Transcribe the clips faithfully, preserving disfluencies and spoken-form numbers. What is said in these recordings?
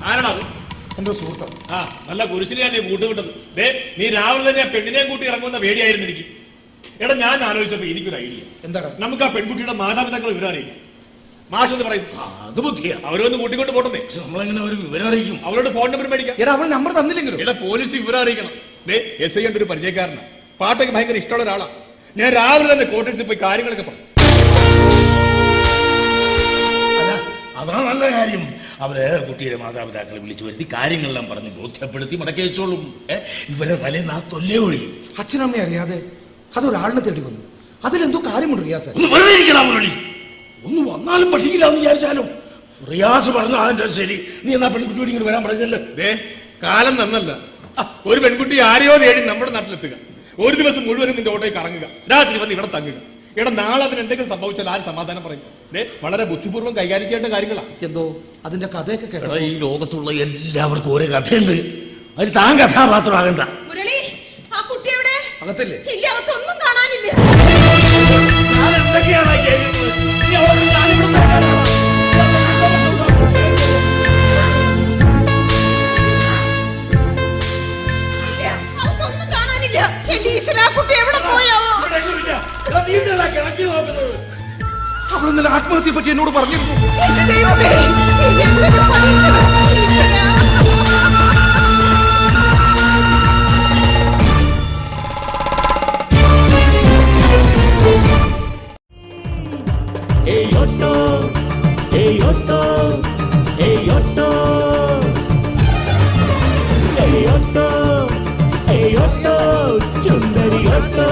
ആരാണ് അത്? എന്റെ സുഹൃത്ത്. ആ നല്ല കുരിശിനെയാ നീ കൂട്ടുവിട്ടത്. ദേ നീ രാവിലെ തന്നെ ആ പെണ്ണിനെയും കൂട്ടി ഇറങ്ങുന്ന പേടിയായിരുന്നു എനിക്ക്. എടാ ഞാൻ ആലോചിച്ചപ്പോ എനിക്കൊരു ഐഡിയ. എന്താണ്? നമുക്ക് ആ പെൺകുട്ടിയുടെ മാതാപിതാക്കളെ വിവരം അറിയിക്കാം. മാഷ് എന്ന് പറയും അത് ബുദ്ധിയാ. അവരൊന്ന് കൂട്ടിക്കൊണ്ട് പോട്ടെ. നമ്മളെങ്ങനെ ഒരു വിവരം അറിയിക്കും? അവരോട് ഫോൺ നമ്പർ മേടിക്കാം. എടാ അവൾ നമ്പർ തന്നില്ലെങ്കിലും എടാ പോലീസ് വിവരം അറിയിക്കണം. ദേ എസ് ഐ കണ്ട ഒരു പരിചയക്കാരനാണ്, പാട്ടൊക്കെ ഭയങ്കര ഇഷ്ടമുള്ള ഒരാളാണ്. ഞാൻ രാവിലെ തന്നെ കോട്ടേഴ്സിൽ പോയി കാര്യങ്ങളൊക്കെ പറഞ്ഞു. അതാണ് നല്ല കാര്യം. അവര് കുട്ടിയുടെ മാതാപിതാക്കളെ വിളിച്ചു വരുത്തി കാര്യങ്ങളെല്ലാം പറഞ്ഞ് ബോധ്യപ്പെടുത്തി മടക്കി വെച്ചോളും. ഇവരെ തലേന്ന് ആ തൊല്ലേ ഒഴിയും. അച്ഛനമ്മയെ അറിയാതെ അതൊരാളിനെ തേടി വന്നു. അതിലെന്തോ കാര്യമുണ്ട് റിയാസ്. ഒന്ന് വെറുതെ ഇരിക്കണം മുരളി. ഒന്ന് വന്നാലും പഠിക്കില്ലാന്ന് വിചാരിച്ചാലോ? റിയാസ് പറഞ്ഞു അതിന്റെ ശരി. നീ എന്നാ പെൺകുട്ടി ഇങ്ങനെ വരാൻ പറഞ്ഞല്ലോ. ദേ കാലം നന്നല്ല. ഒരു പെൺകുട്ടി ആരെയോ തേടി നമ്മുടെ നാട്ടിലെത്തുക, ഒരു ദിവസം മുഴുവനും നിന്റെ ഓട്ടോയിൽ കറങ്ങുക, രാത്രി വന്ന് ഇവിടെ തങ്ങുക. എടാ നാളെ അതിന് എന്തെങ്കിലും സംഭവിച്ചാൽ ആര് സമാധാനം പറയും? ദേ വളരെ ബുദ്ധിപൂർവ്വം കൈകാര്യം ചെയ്യേണ്ട കാര്യങ്ങളാണ്. എന്തോ അതിന്റെ കഥയൊക്കെ കേട്ടോ. ഈ ലോകത്തുള്ള എല്ലാവർക്കും ഓരോ കഥയുണ്ട്. അതിൽ താൻ കഥാപാത്രമാകണ്ട. മുരളി, ആ കുട്ടി എവിടെ? അകത്തല്ലേ? ഇല്ല, അകത്തൊന്നും കാണാനില്ല. അകത്തൊന്നും കാണാനില്ല. ഈശ്വരാ, ആ കുട്ടി എവിടെ പോയോ? അവൾ ഇന്നലെ ആത്മഹത്യയെ പറ്റി എന്നോട് പറഞ്ഞിരുന്നു. എന്റെ ദൈവമേ, എന്തൊരു പരീക്ഷണം. ഈശ്വരാ. Hey Otto, hey Otto, hey Otto, hey Otto, hey Otto, Sundari Otto.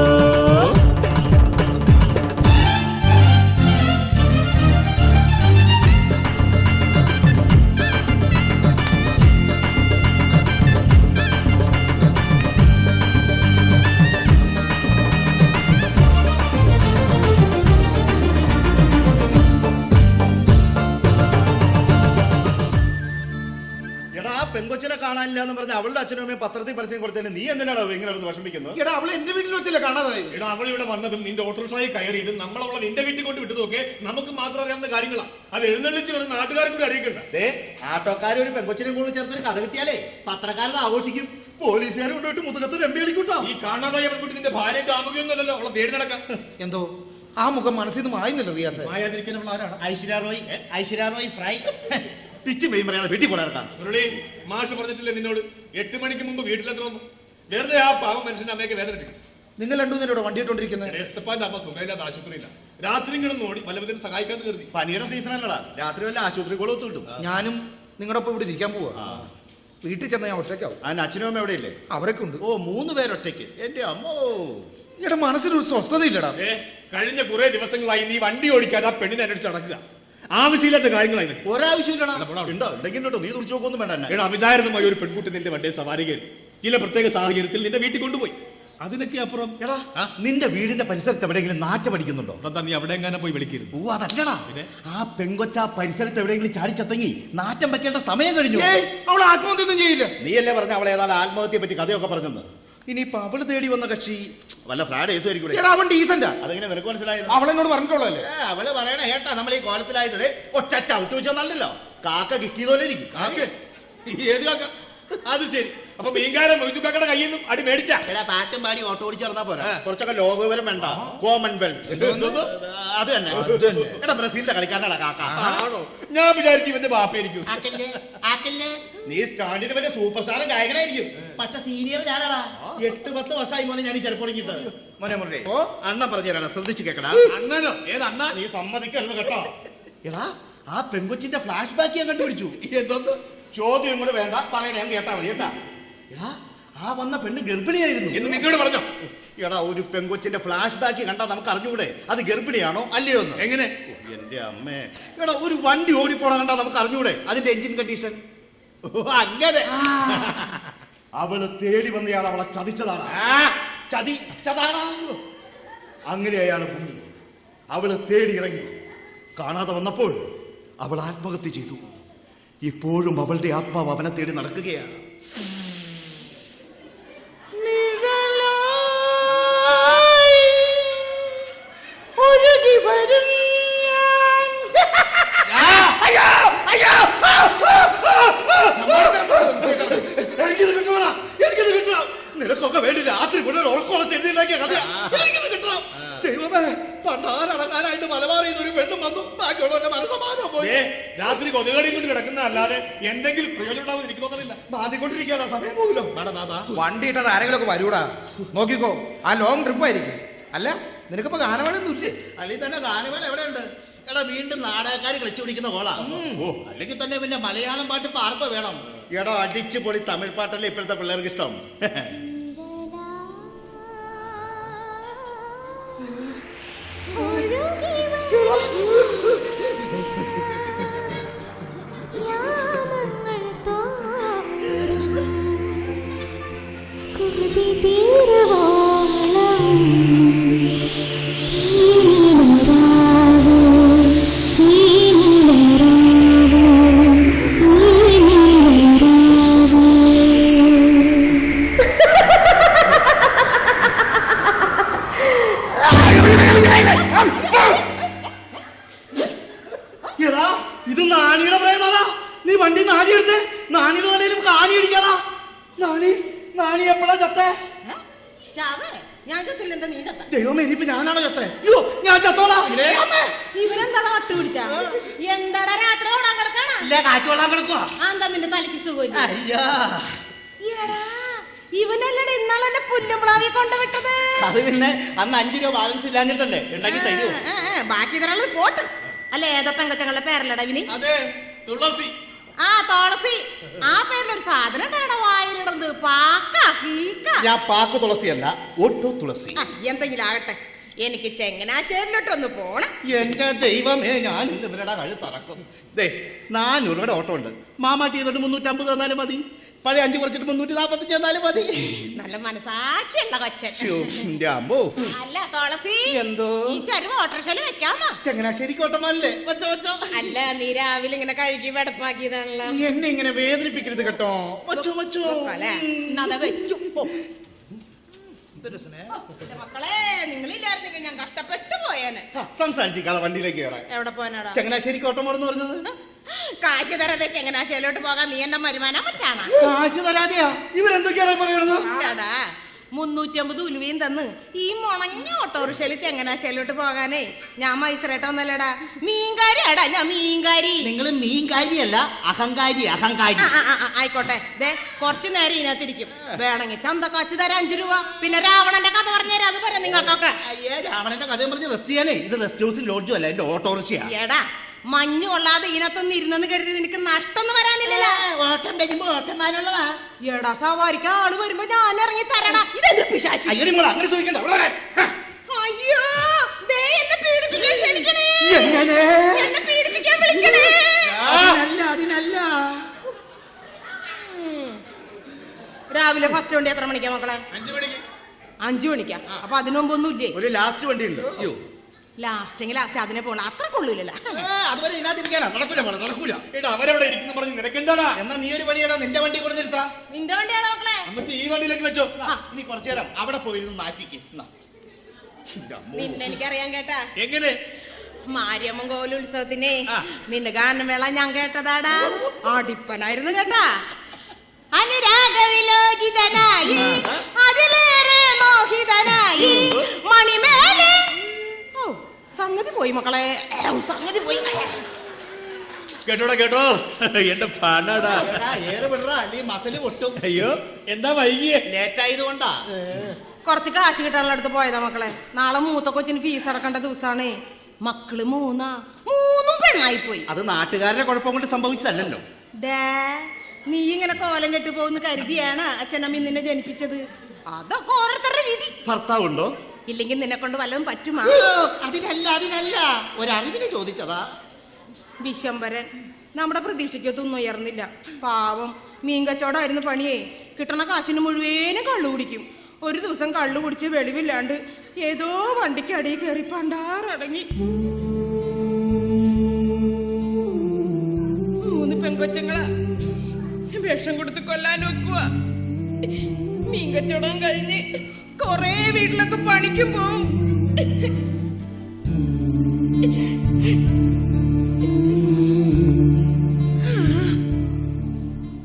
പെങ്കൊച്ചിനെ കാണാനില്ല എന്ന് പറഞ്ഞ അവളുടെ അച്ഛനും അമ്മയും പത്രത്തിൽ പരസ്യം കൊടുത്തതിന് നീ എന്തിനാണോ ഇങ്ങനെ വിഷമിക്കുന്നത്? എടാ അവളെ എന്റെ വീട്ടിൽ വെച്ചല്ലേ കാണാതായി. എടാ അവൾ ഇവിടെ വന്നതും നിന്റെ ഓട്ടോറിക്ഷയിൽ കയറിയതും നമ്മളവളെ നിന്റെ വീട്ടിൽ കൊണ്ട് വിട്ടതൊക്കെ നമുക്ക് മാത്രം അറിയാവുന്ന കാര്യങ്ങളാണ്. അത് എഴുന്നള്ളിച്ച് വരുന്ന നാട്ടുകാരെ കൂടി അറിയിക്കണ്ട. ആട്ടോക്കാർ ഒരു പെങ്കൊച്ചിനെ കൂടെ ചേർത്തൊരു കഥ കിട്ടിയാലേ പത്രക്കാരത് ആഘോഷിക്കും, പോലീസുകാരെ കൊണ്ടുപോയിട്ട് മുതുകത്ത് രമ്പി കളിക്കൂട്ടോ. ഈ കാണാതായ പെൺകുട്ടി നിന്റെ ഭാര്യ കാമുകയൊന്നുമല്ലല്ലോ, അവളെ തേടി നടക്കാം. എന്തോ ആ മുഖം മനസ്സിൽ നിന്ന് മായുന്നില്ല റിയാസ്. മായാതിരിക്കാൻ അവൾ ആരാണ്? ഐശ്വര്യ റോയ്, ഐശ്വര്യ റോയ് ഫ്രൈ പിച്ച് പെയ്യും പറയാതെ വീട്ടിൽ പോരാക്കാം. മുരളി, മാഷ് പറഞ്ഞിട്ടില്ലേ നിന്നോട് എട്ട് മണിക്ക് മുമ്പ് വീട്ടിലെത്തണമെന്ന്? വെറുതെ ആ പാവം മനുഷ്യന്റെ അമ്മയൊക്കെ വേദനിപ്പിക്കും. നിങ്ങൾ രണ്ടുപേരോട് വണ്ടി ഇട്ടോണ്ടിരിക്കുന്നത്. എസ്തപ്പാന്റെ അമ്മ സുഖമില്ലാത്ത ആശുപത്രിയില്ല. രാത്രി കിടന്ന് ഓടി വല്ലവരും സഹായിക്കാൻ കരുതി. പനിയുടെ സീസൺ അല്ലടാ, രാത്രി വല്ല ആശുപത്രി കൊളത്ത് കിട്ടും. ഞാനും നിങ്ങളുടെ ഒപ്പം ഇവിടെ ഇരിക്കാൻ പോവാ. വീട്ടിൽ ചെന്ന ഞാൻ ഒറ്റയ്ക്കാവും. അതിന് അച്ഛനും അമ്മ എവിടെയില്ലേ? അവരൊക്കെ ഉണ്ട്. ഓ, മൂന്ന് പേരൊറ്റയ്ക്ക്. എന്റെ അമ്മോ, എടാ മനസ്സിനൊരു സ്വസ്ഥതയില്ലടാ. ഏ കഴിഞ്ഞ കുറെ ദിവസങ്ങളായി നീ വണ്ടി ഓടിക്കാതെ ആ പെണ്ണിനെ അന്വേഷിച്ച് നടക്കുക. ആവശ്യമില്ലാത്ത കാര്യങ്ങളായി. ഒരാവശ്യമില്ലടാ. ഉണ്ടോ ഉണ്ടെങ്കിൽ നീ തുറച്ചു നോക്കൊന്നും വേണ്ട. എടാ അവിചാരിതമായ ഒരു പെൺകുട്ടി നിന്റെ വണ്ടിയെ സവാരി കയറി ചില പ്രത്യേക സാഹചര്യത്തിൽ നിന്റെ വീട്ടിൽ കൊണ്ടുപോയി. അതിനൊക്കെ അപ്പുറം എടാ നിന്റെ വീടിന്റെ പരിസരത്ത് എവിടെയെങ്കിലും നാറ്റം അടിക്കുന്നുണ്ടോ? എന്താ നീ അവിടെ എങ്ങനെ പോയി വിളിക്കരുത്. ഓ അതല്ലടാ, ആ പെങ്കൊച്ച പരിസരത്ത് എവിടെയെങ്കിലും ചാടിച്ചത്തെങ്ങി നാറ്റം വെക്കേണ്ട സമയം കഴിഞ്ഞു. അവൾ ആത്മഹത്യ ഒന്നും ചെയ്യില്ല. നീയല്ലേ പറഞ്ഞ അവളെ ഏതാണ്ട് ആത്മഹത്യയെ പറ്റി കഥയൊക്കെ പറഞ്ഞെന്ന്. ഇനിയിപ്പൊ അവള് തേടി വന്ന കക്ഷി വല്ല ഫ്രാഡ് കേസ് ആയിരിക്കും. അവൻ ഡീസന്റാ. അതെങ്ങനെ നിനക്ക് മനസ്സിലായത്? അവളെന്നോട് പറഞ്ഞിട്ടുള്ളൂ അല്ലേ? അവള് പറയണ കേട്ടാ നമ്മൾ ഈ കോലത്തിലായത് ഒറ്റ ചവിട്ട് വെച്ചോന്നല്ലോ, കാക്ക കിക്കിയതുപോലെ ഇരിക്കും. ഏത് കാക്ക? അത് ശരി. അപ്പൊ മീൻകാരൻ മൊയ്തുക്കാക്കയുടെ കയ്യിൽ നിന്നും അടി മേടിച്ച പാട്ടും പാടി ഓട്ടോ ഓടിച്ച് നടന്നാ പോരാ, കുറച്ചൊക്കെ ലോകവിവരം വേണ്ട. കോമൺവെൽത്ത് അത് തന്നെ. എടാ ബ്രസീലിന്റെ കളിക്കാരനാണ് കാക്ക. ആണോ? ഞാൻ വിചാരിച്ചു ഇവന്റെ ബാപ്പയായിരിക്കും. നീ സ്റ്റാൻഡിന് വലിയ സൂപ്പർ സ്റ്റാർ ഗായകനായിരിക്കും, പക്ഷെ സീനിയർ ഞാനാടാ. എട്ട് പത്ത് വർഷമായി മോനെ ഞാൻ ഈ ചെറുപ്പം തുടങ്ങിയിട്ട്. മോനെ മുരളി, അണ്ണൻ പറഞ്ഞു തരാടാ, ശ്രദ്ധിച്ചു കേക്കടാ. അണ്ണനോ? ഏത് അണ്ണ? നീ സമ്മതിക്കരുത് കേട്ടോ. എടാ ആ പെങ്കൊച്ചിന്റെ ഫ്ലാഷ് ബാക്ക് ഞാൻ കണ്ടുപിടിച്ചു. എന്തോന്ന് ചോദ്യം കൂടെ വേണ്ട, പറയണേ, ഞാൻ കേട്ടാ മതി കേട്ടാ. എടാ ആ വന്ന പെണ്ണ് ഗർഭിണിയായിരുന്നു എന്ന് നിന്നോട് പറഞ്ഞോ? എടാ ഒരു പെങ്കൊച്ചിന്റെ ഫ്ലാഷ് ബാക്ക് കണ്ടാ നമുക്ക് അറിഞ്ഞൂടെ അത് ഗർഭിണിയാണോ അല്ലയോ എന്ന്? എങ്ങനെ? എന്റെ അമ്മേ, എടാ ഒരു വണ്ടി ഓടിപ്പോണ കണ്ടാ നമുക്ക് അറിഞ്ഞൂടെ അതിന്റെ എഞ്ചിൻ കണ്ടീഷൻ? അങ്ങനെ അവള് തേടി വന്നയാൾ അവളെ ചതിച്ചതാണ്. ചതിച്ചതാണ്. അങ്ങനെ അയാൾ പൊങ്ങി അവള് തേടി ഇറങ്ങി. കാണാതെ വന്നപ്പോൾ അവൾ ആത്മഹത്യ ചെയ്തു. ഇപ്പോഴും അവളുടെ ആത്മാവ് അവനെ തേടി നടക്കുകയാണ്. വരും ഞാൻ. രാത്രി കൊതുകടി കൊണ്ട് കിടക്കുന്ന അല്ലാതെ എന്തെങ്കിലും പ്രയോജനം ഉണ്ടാവും എനിക്ക് തോന്നുന്നില്ല. മാതിക്കൊണ്ടിരിക്കാനോ സമയം പോകുമല്ലോ. വണ്ടി ഇട്ടാൽ ആരെങ്കിലും ഒക്കെ വരൂടാ. നോക്കിക്കോ, ആ ലോങ് ട്രിപ്പ് ആയിരിക്കും. അല്ല നിനക്കിപ്പോ ഗാനമേളൊന്നും ഇല്ലേ? അല്ലെങ്കിൽ തന്നെ ഗാനമേള എവിടെയുണ്ട്? എടാ വീണ്ടും നാടകക്കാർ കളിച്ചു പിടിക്കുന്ന കോളാ. ഓ അല്ലെങ്കിൽ തന്നെ പിന്നെ മലയാളം പാട്ട് ഇപ്പൊ ആർക്കോ വേണം? എടോ അടിച്ചു പൊളി തമിഴ് പാട്ടല്ലേ ഇപ്പോഴത്തെ പിള്ളേർക്ക് ഇഷ്ടം. എടാ ഇത് നാണിയുടെ പ്രേതാ. നീ വണ്ടി നാണി എടുത്ത് നാണിയുടെ നിലയിലും കാണി അടിക്കാടാ. നാണി നാണി എപ്പോഴാ ചത്തേ? ചാവേ, ഞാൻ ചത്തില്ല, എന്താ നീ ചത്ത? ദൈവമേ ഇനിയിപ്പോ ഞാനാണോ ചത്തേ? അയ്യോ ഞാൻ ചത്തോളാം. ഇവരെന്താടാ വട്ട് പിടിച്ച? എന്താടാ രാത്രി ഓടാൻ കിടക്കാണ? ഇല്ല കാറ്റ് കൊള്ളാൻ കിടക്കുവാ. എന്താ നിന്റെ തലയ്ക്ക് സുഖമില്ല? അയ്യാ എടാ, ഇവനല്ലടെ ഇന്നാളെ പുല്ലുമ്പളാവി കൊണ്ടുവിട്ടത്. അത് പിന്നെ അന്ന് അഞ്ചു രൂപ ബാലൻസ് ഇല്ലാഞ്ഞിട്ടല്ലേ ഉണ്ടാക്കി തരൂ. ആ, ആ, ബാക്കി തരാനുള്ളത് പോട്ട്. അല്ല ഏതോ പെങ്കച്ചങ്ങളുടെ പേരല്ലടാ ഇവന്? അതെ, തുളസി. ആ തുളസി. ആ പേരിലൊരു സാധനം ഉണ്ടാടാ വായിലിടത്. പാക്ക കീക്ക. ഞാൻ പാക്ക് തുളസിയല്ല, ഒട്ടു തുളസി. ആ, എന്തെങ്കിലും ആകട്ടെ, എനിക്ക് ചെങ്ങനാശ്ശേരിലോട്ടൊന്ന് പോണം. എന്റെ ദൈവമേ, ഞാൻ ഇന്ന് ഇവരുടെ കഴുത്തറക്കും. ദേ നാനൂറ് രൂപയുടെ ഓട്ടോ ഉണ്ട്. മാമാട്ടി ചെയ്തോട്ട് മുന്നൂറ്റമ്പത് തന്നാലും മതി. പഴയ അഞ്ചു കുറച്ചിട്ട് മുന്നൂറ്റി നാപ്പത്തഞ്ച് തന്നാലും മതി. നല്ല മനസാക്ഷിയുള്ള കൊച്ചൻ. ശ്ശോ, എന്റെ അമ്മോ. അല്ല തുളസി, എന്തോ ഈ ചരുവ ഓട്ടോറിക്ഷയിൽ വെക്കാമോ? ചങ്ങനാശ്ശേരിക്ക് ഓട്ടമല്ലേ? വച്ചോ വച്ചോ. അല്ല നീ രാവിലെ ഇങ്ങനെ കഴുകി വെടപ്പാക്കിയതാണല്ലോ. നീ എന്നെ ഇങ്ങനെ വേദനിപ്പിക്കരുത് കേട്ടോ. വച്ചോ വച്ചോ. അല്ലേ, എന്നാ വെച്ചു. ഓ. എന്റെ മക്കളെ, നിങ്ങളില്ലായിരുന്നെങ്കിൽ ഞാൻ കഷ്ടപ്പെട്ടു പോയേനെ. സംസാരിച്ചിക്കാളെ വണ്ടിയിലേക്ക് കയറാൻ. എവിടെ പോകാനാടാ? ചങ്ങനാശ്ശേരിക്ക് ഓട്ടം പോണെന്ന് പറഞ്ഞത്. കാശ് തരാതെ ചങ്ങനാശ്ശേരിയിലോട്ട് പോകാൻ നീ എന്നെ വരുമാനം പറ്റാണ്. കാശ് തരാതെയാ ഇവരെന്തൊക്കെയാണ് പറയണത്? എടാ, മുന്നൂറ്റി അമ്പത് ഉലുവയും തന്ന് ഈ മുണങ്ങ ഓട്ടോറിക്ഷയിൽ ചങ്ങനാശ്ശേരിയിലോട്ട് പോകാനേ ഞാൻ മൈസറേട്ടൊന്നല്ലടാ, മീൻകാരിയാടാ ഞാൻ, മീൻകാരി. നിങ്ങൾ മീൻകാരിയല്ല, അഹങ്കാരി. അഹങ്കാരി ആ, ആ, ആ, ആയിക്കോട്ടെ. ദേ കുറച്ചു നേരം ഇതിനകത്തിരിക്കും. വേണമെങ്കിൽ ചന്തക്കാശ് തരാം അഞ്ചു രൂപ. പിന്നെ രാവണന്റെ കഥ പറഞ്ഞുതരാം, അത് പറയാം നിങ്ങൾക്കൊക്കെ. അയ്യേ, രാവണന്റെ കഥയും പറഞ്ഞ് റെസ്റ്റ് ചെയ്യാനേ. ഇത് റെസ്റ്റ് ഹൗസും ലോഡ്ജും അല്ല, എന്റെ ഓട്ടോറിക്ഷയാ. എടാ, മഞ്ഞു കൊള്ളാതെ ഇതിനകത്തൊന്നും ഇരുന്നെന്ന് കരുതി നിനക്ക് നഷ്ടൊന്നും വരാനില്ലല്ലോ. ഓട്ടം വരുമ്പോ ഓട്ടന്മാരുള്ളതാ. എടാ, സവാരിക്ക് ആള് വരുമ്പോ ഞാൻ ഇറങ്ങി തരണ. ഇതെന്ത് പിശാചി? അയ്യോ നിങ്ങൾ അങ്ങനെ ചോദിക്കണ്ട. ഇവിടെ വരാൻ. അയ്യോ, ദേ എന്നെ പീഡിപ്പിക്കാൻ ക്ഷണിക്കണേ. എങ്ങനെ? എന്നെ പീഡിപ്പിക്കാൻ വിളിക്കണേ. അതിനല്ല അതിനല്ല. രാവിലെ ഫസ്റ്റ് വണ്ടി എത്ര മണിക്കാ മക്കളെ? അഞ്ചു മണിക്ക്. അഞ്ചു മണിക്കാ? അപ്പൊ അതിനു മുമ്പ് ഒന്നും ഇല്ലേ? ഒരു ലാസ്റ്റ് വണ്ടി ഉണ്ട്. അയ്യോ ലാസ്റ്റെങ്കിൽ ലാസ്റ്റ് അതിനെ പോണ അത്ര കൊള്ളൂലല്ലോ. അതുവരെ ഇതിനകത്തിരിക്കാനാ. നടക്കൂല മോളെ, നടക്കൂല. എടാ അവരവിടെ ഇരിക്കുന്നു പറഞ്ഞ് നിനക്കെന്താടാ? എന്നാ നീ ഒരു പണിയടാ, നിന്റെ വണ്ടി കൊണ്ട് നിർത്താ. നിന്റെ വണ്ടിയാണോ മക്കളെ? അമ്മച്ചി ഈ വണ്ടിയിലേക്ക് വെച്ചോ. ഇനി കുറച്ചു നേരം അവിടെ പോയിരുന്നു മാറ്റിക്ക്. നിന്നെ എനിക്കറിയാൻ കേട്ടാ. എങ്ങനെ? മാരിയമ്മൻ കോവിൽ ഉത്സവത്തിനെ നിന്റെ ഗാനമേള ഞാൻ കേട്ടതാടാ. അടിപ്പനായിരുന്നു കേട്ടാ. അനുരാഗവിലോചിതനായി അതിലേറെ മോഹിതനായി മണിമേലെ. ഓ, സംഗതി പോയി മക്കളെ, സംഗതി പോയി. കേട്ടോടാ കേട്ടോ, എന്റെ പാനാടാ. ഏറെ വിടറാ, അല്ലെങ്കിൽ മസല് പൊട്ടും. അയ്യോ എന്താ വൈകിയേ? ലേറ്റ് ആയതുകൊണ്ടാ. കുറച്ച് കാശ് കിട്ടാനുള്ള അടുത്ത് പോയതാ മക്കളെ. നാളെ മൂത്ത കൊച്ചിന് ഫീസ് അടക്കേണ്ട ദിവസമാണേ. മക്കള് മൂന്നാ, മൂന്നും പെണ്ണായി പോയി. അത് നാട്ടുകാരുടെ കുഴപ്പം കൊണ്ട് സംഭവിച്ചതല്ലോ. ദേ, നീ ഇങ്ങനെ കോലം കെട്ടി പോകുന്ന കരുതിയാണ് അച്ഛനമ്മ നിന്നെ ജനിപ്പിച്ചത്. അതൊക്കെ ഓരോരുത്തരുടെ വിധി. ഭർത്താവുണ്ടോ? ഇല്ലെങ്കിൽ നിന്നെ കൊണ്ട് വല്ലതും പറ്റുമാ? അതിനല്ല അതിനല്ല, ഒരറിവിന് ചോദിച്ചതാ. വിശംബരൻ നമ്മുടെ പ്രതീക്ഷയ്ക്കൊന്നും ഉയർന്നില്ല. പാവം മീൻ കച്ചവടമായിരുന്നു പണിയേ. കിട്ടണ കാശിന് മുഴുവനും കള്ളു കുടിക്കും. ഒരു ദിവസം കള്ളു കുടിച്ച് വെളിവില്ലാണ്ട് ഏതോ വണ്ടിക്ക് അടിയിൽ കയറി പണ്ടാറടങ്ങി. മൂന്ന് പെങ്കൊച്ചങ്ങളാ വിഷം കൊടുത്ത് കൊല്ലാൻ നോക്കുക. മീൻ കച്ചവടം കഴിഞ്ഞ് കൊറേ വീട്ടിലൊക്കെ പണിക്കും പോവും.